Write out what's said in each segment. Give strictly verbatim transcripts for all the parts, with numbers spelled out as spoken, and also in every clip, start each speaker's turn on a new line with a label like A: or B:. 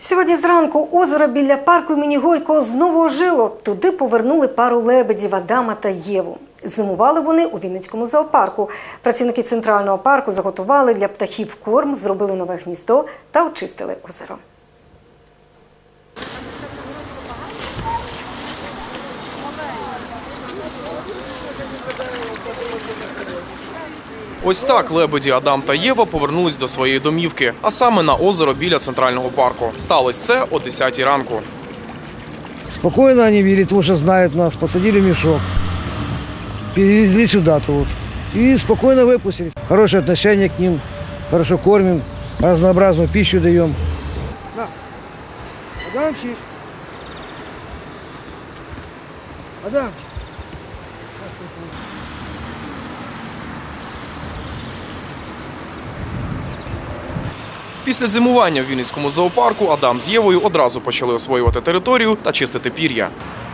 A: Сьогодні зранку озеро біля парку імені Горького знову ожило. Туди повернули пару лебедів Адама та Єву. Зимували вони у Вінницькому зоопарку. Працівники центрального парку заготували для птахів корм, зробили нове гніздо та очистили озеро.
B: Ось так лебеді Адам та Єва повернулись до своєї домівки, а саме на озеро біля центрального парку. Сталося це о десятій ранку.
C: Спокойно они вели, потому что знают нас, посадили в мешок, перевезли сюда тут и спокойно выпустили. Хорошее отношение к ним, хорошо кормим, разнообразную пищу даем. На, Адамчик, Адамчик.
B: Після зимування в Вінницькому зоопарку Адам з Євою одразу почали освоювати територію та чистити пір'я.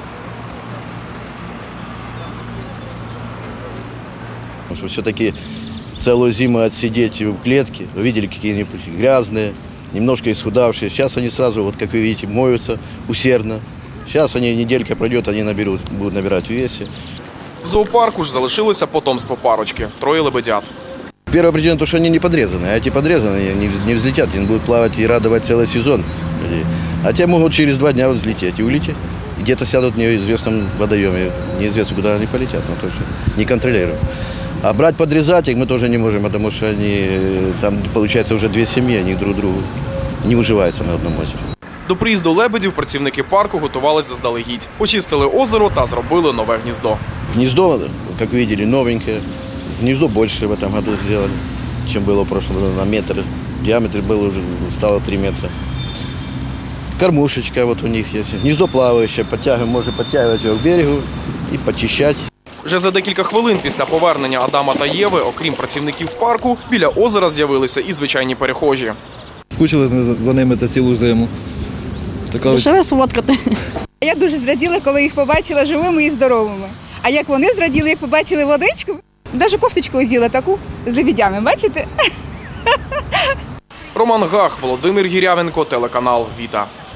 D: Все-таки целую зиму отсидеть в клетке, вы видели, какие-нибудь грязные, немножко исхудавшие. Сейчас они сразу, вот как вы видите, моются усердно. Сейчас они, неделька пройдет, они наберут, будут набирать в весе.
B: В зоопарку ж залишилося потомство парочки – троє лебедят.
D: Первая причина, то, что они не подрезаны. А эти подрезаны не взлетят, они будут плавать и радовать целый сезон. А те могут через два дня взлететь и улететь. Где-то сядут в неизвестном водоеме, неизвестно, куда они полетят, но точно не контролируем. А брать, подрезать их мы тоже не можем, потому что они, там получается уже две семьи, они друг другу не уживаются на одном озере.
B: До приїзду лебедів працівники парку готувалися заздалегідь. Почистили озеро та зробили нове гніздо.
D: Гнездо, как видели, новенькое. Гнездо больше в этом году сделали, чем было в прошлом году, на метр. Диаметр был уже, стало три метра. Кормушечка вот у них есть. Гнездо плавающее, подтягиваем, можно подтягивать его к берегу и почищать.
B: Вже за декілька хвилин після повернення Адама та Єви, окрім працівників парку, біля озера з'явилися і звичайні перехожі.
E: Скучили за ними та цілу зиму. Така...
F: Лишили сфоткати.
G: Я дуже зраділа, коли їх побачила живими і здоровими. А як вони зраділи, як побачили водичку, навіть кофточку оділа таку з лебедями, бачите?
B: Роман Гах, Володимир Гірявенко, телеканал «Віта».